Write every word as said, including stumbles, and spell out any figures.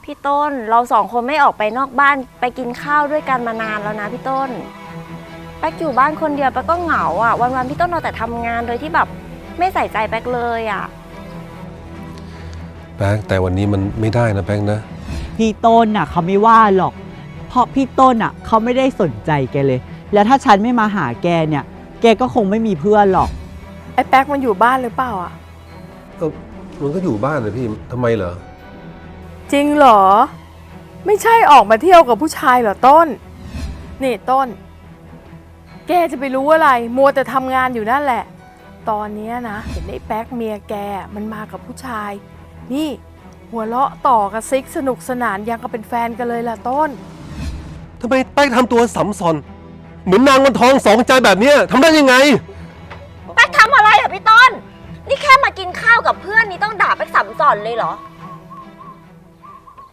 พี่ต้นเราสองคนไม่ออกไปนอกบ้านไปกินข้าวด้วยกันมานานแล้วนะพี่ต้นแป๊กอยู่บ้านคนเดียวแป๊กก็เหงาอ่ะวันๆพี่ต้นเอาแต่ทำงานโดยที่แบบไม่ใส่ใจแป๊กเลยอ่ะแป๊กแต่วันนี้มันไม่ได้นะแป๊กนะพี่ต้นน่ะเขาไม่ว่าหรอกเพราะพี่ต้นน่ะเขาไม่ได้สนใจแกเลยแล้วถ้าฉันไม่มาหาแกเนี่ยแกก็คงไม่มีเพื่อนหรอกไอ้แป๊กมันอยู่บ้านหรือเปล่าอ่ะเออมันก็อยู่บ้านเลยพี่ทำไมเหรอจริงเหรอไม่ใช่ออกมาเที่ยวกับผู้ชายเหรอต้นนี่ต้นแกจะไปรู้อะไรมัวแต่ทำงานอยู่นั่นแหละตอนนี้นะเห็นไอ้แป๊กเมียแกมันมากับผู้ชายนี่หัวเราะต่อกับซิกสนุกสนานยังกับเป็นแฟนกันเลยล่ะต้นทำไมแป๊กทำตัวสัมซอนเหมือนนางวันทองสองใจแบบนี้ทำได้ยังไงแป๊กทำอะไรอ่ะพี่ต้นนี่แค่มากินข้าวกับเพื่อนนี่ต้องด่าแป๊กสัมสอนเลยเหรอ